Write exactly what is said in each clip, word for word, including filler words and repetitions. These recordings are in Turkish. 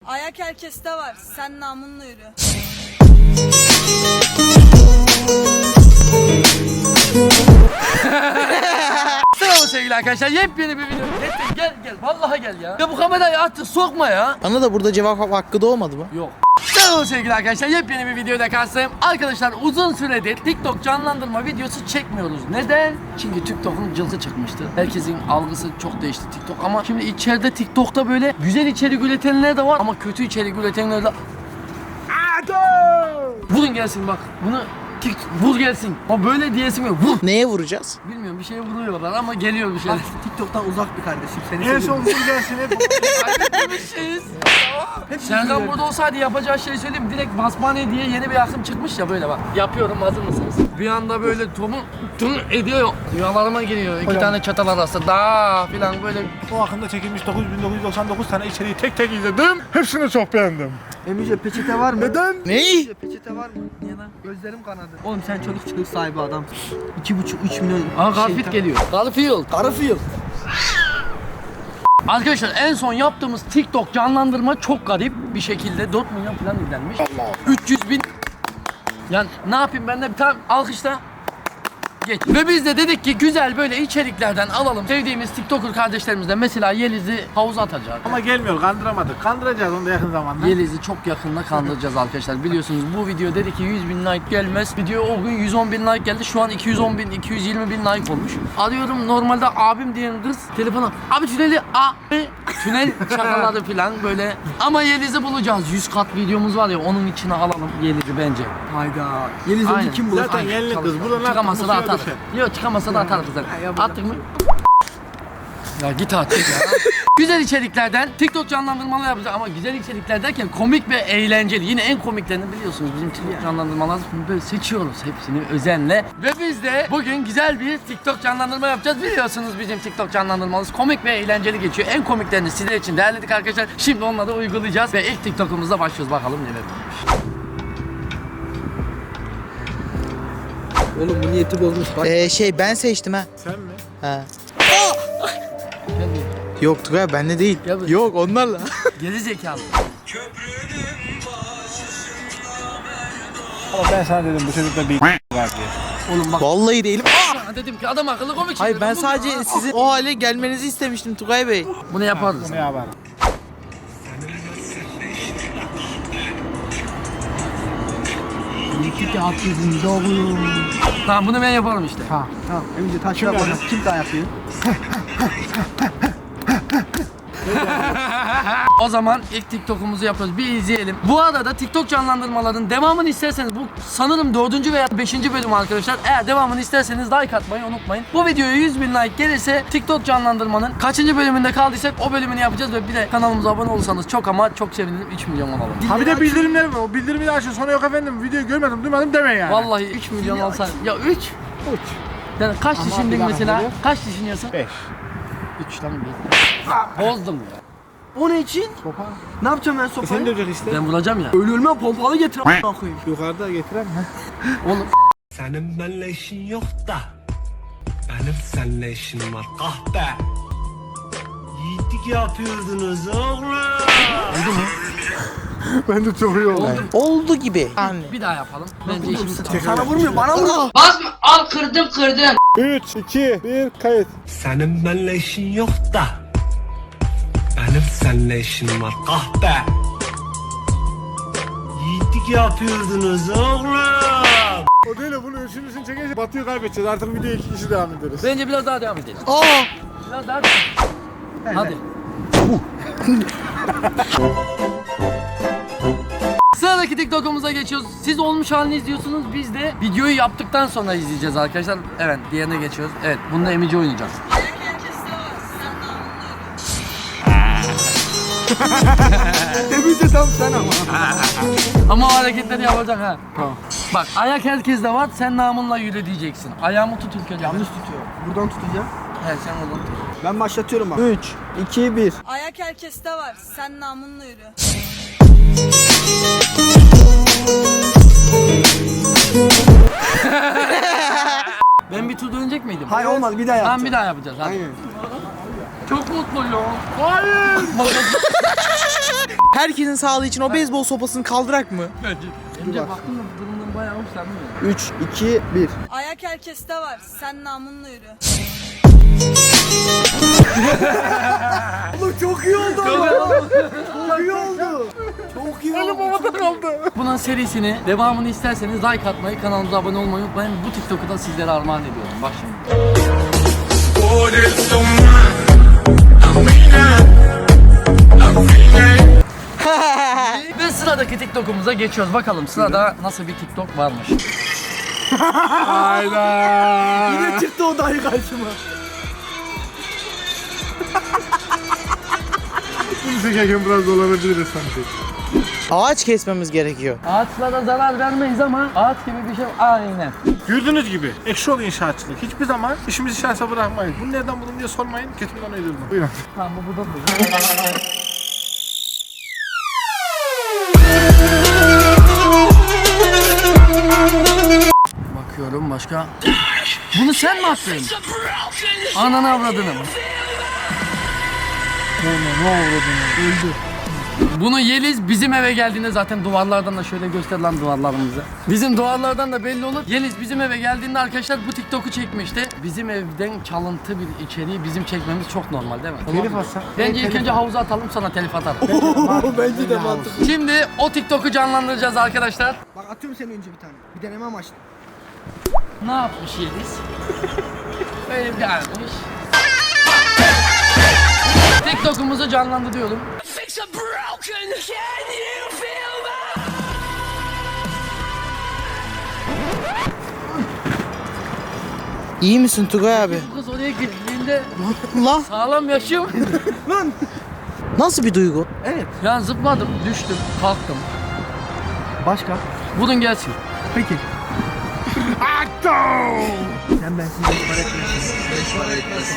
Ayak herkeste var. Sen namunla yürü. Selam sevgili arkadaşlar, yepyeni bir video. Gel gel gel, vallahi gel ya. Ya bu kamerayı artık sokma ya. Bana da burada cevap hakkı doğmadı mı? Yok. Selam sevgili arkadaşlar, yepyeni bir videoda karşınızdayım. Arkadaşlar uzun süredir TikTok canlandırma videosu çekmiyoruz. Neden? Çünkü TikTok'un cılkı çıkmıştı. Herkesin algısı çok değişti TikTok. Ama şimdi içeride TikTok'ta böyle güzel içerik üretenler de var ama kötü içerik üretenler de... Vurun gelsin bak. Bunu Tik vur gelsin. O böyle diyesim yok. Vur. Neye vuracağız? Bilmiyorum, bir şeye vuruyorlar ama geliyor bir şeyler. TikTok'tan uzak bir kardeşim. Seni En seviyorum. son vur gelsin hep. Kaybetmemişiz. Serkan burada olsaydı yapacağı şeyi söyleyeyim mi? Direkt basmane diye yeni bir akım çıkmış ya, böyle bak. Yapıyorum, hazır mısınız? Bir anda böyle tomu tüm ediyor. Rüyalarıma giriyor. İki Hocam. tane çatal arası da filan böyle. O akımda çekilmiş dokuz bin dokuz yüz doksan dokuz tane içeriği tek tek izledim. Hepsini çok beğendim. Emice peçete var mı? Neden? Ney? Emice peçete var mı? Niye lan? Gözlerim kanadı. Oğlum sen çoluk çocuk sahibi adam. iki buçuk üç milyon. Aa, Garfield geliyor. Garfield. Garfield. Arkadaşlar en son yaptığımız TikTok canlandırma çok garip bir şekilde dört milyon falan izlenmiş. üç yüz bin. Yani ne yapayım, ben de bir tane alkışla. Geç. Ve biz de dedik ki güzel böyle içeriklerden alalım. Sevdiğimiz TikToker kardeşlerimizle mesela Yeliz'i havuza atacak. Ama gelmiyor, kandıramadık. Kandıracağız onu da yakın zamanda. Yeliz'i çok yakında kandıracağız arkadaşlar. Biliyorsunuz bu video dedi ki yüz bin like gelmez. Video o gün yüz on bin like geldi. Şu an iki yüz on bin, iki yüz yirmi bin like olmuş. Arıyorum, normalde abim diyen kız telefona. Abi tüneli abi. Tünel şakaları falan böyle. Ama Yeliz'i bulacağız. yüz kat videomuz var ya, onun içine alalım Yeliz'i bence. Hayda. Yeliz Aynen. önce kim bulur? Zaten Aynen. yenilik kız. Buradan Çıkamasa da atar. düşer. Yok, çıkamasa da atar kızlar. yapacağım. Attık mı? Ya git artık ya. Güzel içeriklerden TikTok canlandırmalar yapacağız ama güzel içerikler derken komik ve eğlenceli. Yine en komiklerini biliyorsunuz, bizim TikTok canlandırmalar böyle seçiyoruz hepsini özenle. Ve biz de bugün güzel bir TikTok canlandırma yapacağız. Biliyorsunuz bizim TikTok canlandırmamız komik ve eğlenceli geçiyor. En komiklerini sizler için değerledik arkadaşlar. Şimdi onları uygulayacağız ve ilk TikTok'umuzda başlıyoruz, bakalım neler olmuş. Oğlum bu niyeti bozmuş. Bak. Ee, şey ben seçtim ha. Sen mi? Ha. Gel buraya. Yok Tugay bende değil. Gel buraya. Yok onlarla. Geri zekalı. Ama ben sana dedim bu çocukta bir var diye. Oğlum bak. Vallahi değilim. Sana dedim ki adam akıllı komik. Hayır şeyler ben bul sadece ya. sizin o hale gelmenizi istemiştim Tugay Bey. Bunu yaparız. Bu ne haber? Tamam, bunu ben yaparım işte. Ha. Tamam. Emice taşla bana. Kim daha yapıyor? O zaman ilk TikTok'umuzu yapıyoruz. Bir izleyelim. Bu arada TikTok canlandırmaların devamını isterseniz, bu sanırım dördüncü veya beşinci bölüm arkadaşlar. Eğer devamını isterseniz like atmayı unutmayın. Bu videoya yüz bin like gelirse TikTok canlandırmanın kaçıncı bölümünde kaldıysak o bölümünü yapacağız ve bir de kanalımıza abone olursanız çok ama çok sevinirim. üç milyon olalım. Ha bir de bildirimler var. O bildirimi de açın. Sonra yok efendim videoyu görmedim, duymadım deme yani. Vallahi üç milyon olsa. Ya üç? Uç. Yani kaç Ama düşündün bir dakika, mesela? ne? Kaç düşünüyorsun? Beş. üç lan bir. Bozdum ya. O ne için? Sopa. Ne yapacağım ben E sen sopayı? de olacak işte. Ben vuracağım ya. Ölü ölmem pompalı getir a**ına koyayım. Yukarıda getiren mi? Oğlum. Senin benimle işin yok da benim seninle işim var kahpe. Yiğitlik yapıyordunuz oğlum. Oldu mu? Ben de çok iyi oldu. Oldu gibi. Yani. Bir daha yapalım. Bence işimiz tamam. Sana vurmuyor bana vur. Basma, al kırdım kırdım. üç, iki, bir, kayıt. Senin benimle işin yok da benim seninle işim var kahpe. Yiğitlik yapıyordunuz oğlum. O değil de bunu üçüncüsünü çekince Batı'yı kaybedeceğiz. Artık videoya iki kişi devam ederiz. Bence biraz daha devam edelim. Aa! Biraz daha devam. Hadi. Sıradaki TikTok'umuza geçiyoruz. Siz olmuş halini izliyorsunuz. Biz de videoyu yaptıktan sonra izleyeceğiz arkadaşlar. Evet, diğerine geçiyoruz. Evet, bunda Emici oynayacağız. Ayak herkeste var. Sen namunla yürü. Emice tam sen ama. Ama o hareketleri yapacak ha. Tamam. Bak, ayak herkeste var. Sen namınla yürü diyeceksin. Ayağımı tut ülke. Yanlış tutuyor. Buradan tutacağım. He, sen oradan tut. Ben başlatıyorum bak. üç, iki, bir. Ayak herkeste var. Sen namunla yürü. Ben bir tur dönecek miydim? Hayır olmaz bir daha yap. Tamam, bir daha yapacağız. Hadi. Aynen. Çok mutluyum. Hayır. Herkesin sağlığı için o beyzbol sopasını kaldırak mı? Önce baktım da durumundan bayağı hoşlanmıyor. üç, iki, bir. Ayak herkeste var. Sen namunla yürü. Oğlum çok iyi oldu ama. Çok iyi oldu. Çok iyi oldu. Havada kaldı. Bunun serisini, devamını isterseniz like atmayı, kanalımıza abone olmayı unutmayın. Bu TikTok'u da sizlere armağan ediyorum. Bak şimdi. Ve sıradaki TikTok'umuza geçiyoruz. Bakalım sırada nasıl bir TikTok varmış. Hayda. Yine çıktı o dahi karşıma. Bunu çekerken biraz dolanabiliriz sanki. Ağaç kesmemiz gerekiyor. Ağaçlara zarar vermeyiz ama ağaç gibi bir şey aynen. Gördüğünüz gibi ekşi ol inşaatçılık. Hiçbir zaman işimizi şansa bırakmayın. Bunu nereden buldun diye sormayın. Ketimden uydurdum. Buyurun. Tamam bu burada duruyor. Bakıyorum başka. Bunu sen mi attın? Ananı avradını. Ne oldu bunu? Öldü. Bunu Yeliz bizim eve geldiğinde zaten duvarlardan da şöyle göster lan duvarlarımızı. Bizim duvarlardan da belli olur. Yeliz bizim eve geldiğinde arkadaşlar bu TikTok'u çekmişti. Bizim evden çalıntı bir içeriği bizim çekmemiz çok normal değil mi? Telif atsak. Bence ilk önce havuza atalım sonra telif atarım. Bence de mantıklı. Şimdi o TikTok'u canlandıracağız arkadaşlar. Bak atıyorum seni önce bir tane. Bir deneme amaçlı. Ne yapmış Yeliz? Böyle bir gelmiş. TikTok'umuzu canlandırıyorum. İyi misin Tugay abi? Bu kız oraya girdiğinde Lan sağlam yaşıyor muydu? Lan. nasıl bir duygu? Evet. Yani zıpladım, düştüm, kalktım. Başka? Bulun gelsin. Peki. Sen bensiz beş para etmiyorsun. Beş para etmezsin.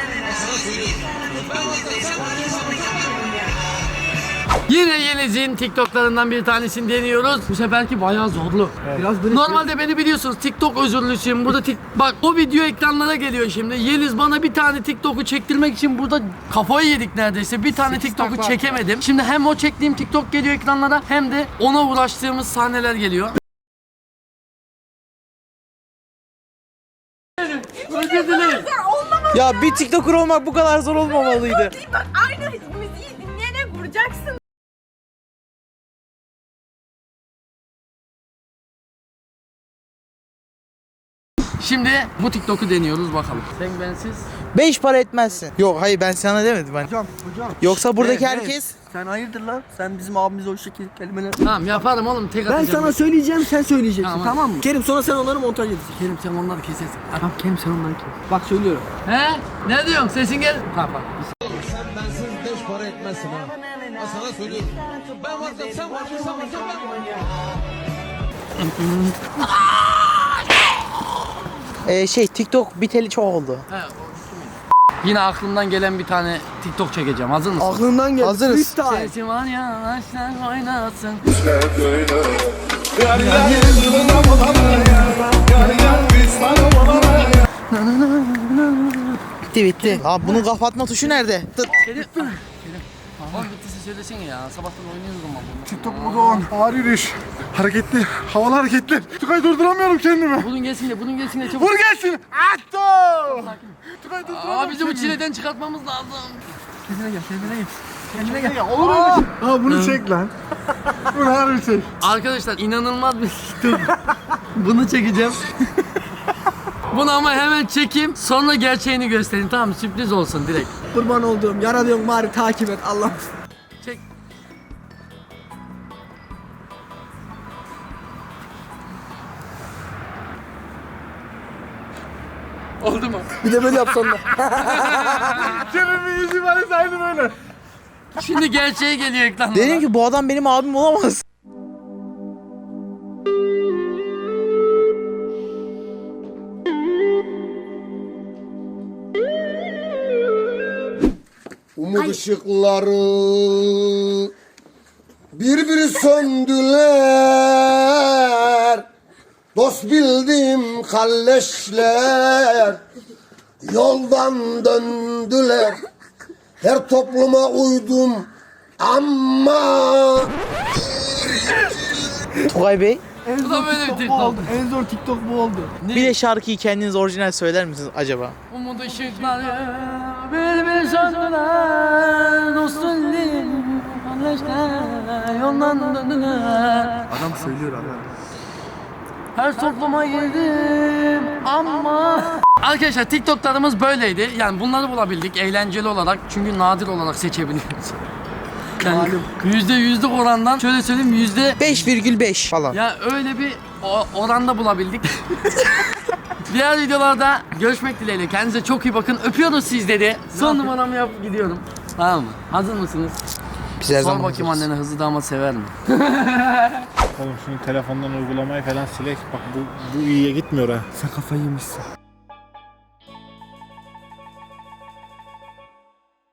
Yine Yeliz'in TikTok'larından bir tanesini deniyoruz. Bu seferki bayağı zorlu. Biraz böyle Normalde beni biliyorsunuz TikTok özürlüsüyüm. Burada tik bak o video ekranlara geliyor şimdi. Yeliz bana bir tane TikTok'u çektirmek için burada kafayı yedik neredeyse. Bir tane TikTok'u çekemedim. Şimdi hem o çektiğim TikTok geliyor ekranlara hem de ona uğraştığımız sahneler geliyor. Özür dilerim. Ya bir TikToker olmak bu kadar zor olmamalıydı. Bak aynı müziği dinleyerek vuracaksın. Şimdi bu TikTok'u deniyoruz bakalım. Sen bensiz. Beş para etmezsin. Yok hayır ben sana demedim ben. Hocam, hocam. Yoksa buradaki Evet, herkes... evet. Sen hayırdır lan? Sen bizim abimize o şekilde kelimeler... Tamam yaparım oğlum tek Ben atacağım. sana söyleyeceğim, sen söyleyeceksin. Tamam. Tamam, mı? Kerim sonra sen onları montaj edeceksin. Kerim sen onları kesersin. Tamam Kerim sen onları kes. Bak söylüyorum. He? Ne diyorsun? Sesin gel. Tamam bak. Ee, şey TikTok biteli çok oldu. He, o bitti miydi? Yine aklımdan gelen bir tane TikTok çekeceğim. Hazır mısın? Aklından geldi. Hazırız. Freestyle. Sesi var ya aşklar oynasın. Bitti bitti. Abi bunun kapatma tuşu nerede? Tıt. Kerim. Ah, Kerim. Tamam bittiyse söylesene ya. Sabahtan oynuyoruz ama bunu. TikTok modu on. Ağır yürüyüş. Hareketli. Havalı hareketler. Tukay durduramıyorum kendimi. Bunun gelsin de bunun gelsin de çabuk. Vur gelsin. Atto. Tukay Aa durduramıyorum bizi bu kendimi. çileden çıkartmamız lazım. Kendine gel, kendine gel. Kendine gel. Ya olur öyle şey. Ha bunu çek lan. Bunu harbi çek. Arkadaşlar inanılmaz bir TikTok. Bunu çekeceğim. Bunu ama hemen çekeyim sonra gerçeğini göstereyim tamam mı? Sürpriz olsun direkt. Kurban olduğum, yaralıyorum bari takip et Allah. Çek. Oldu mu? Bir de böyle yapsan da. Kerem'in yüzü var aynı böyle. Şimdi gerçeği geliyor ekranlara. Dedim ki bu adam benim abim olamaz. Umut ışıkları birbiri söndüler. Dost bildim kalleşler yoldan döndüler. Her topluma uydum Ama Tugay Bey, Bu da böyle bir Bu TikTok. oldu. En zor TikTok bu oldu. bir de şarkıyı kendiniz orijinal söyler misiniz acaba? Umut ışıkları bir bir söndüler. Dostun değil, kardeşler yoldan döndüler. Adam söylüyor adam. Her topluma girdim ama... Arkadaşlar TikTok'larımız böyleydi. Yani bunları bulabildik eğlenceli olarak. Çünkü nadir olarak seçebiliyoruz. Yani yüzde yüzlük orandan şöyle söyleyeyim yüzde... beş virgül beş falan. Ya öyle bir o- oranda bulabildik. Diğer videolarda görüşmek dileğiyle. Kendinize çok iyi bakın. Öpüyoruz sizleri. Son numaramı yapıp gidiyorum. Tamam mı? Hazır mısınız? Biz her Sor zaman bakayım hazırız. annene hızlı damat sever mi? Oğlum şimdi telefondan uygulamayı falan silek. Bak bu, bu iyiye gitmiyor ha. Sen kafayı yemişsin.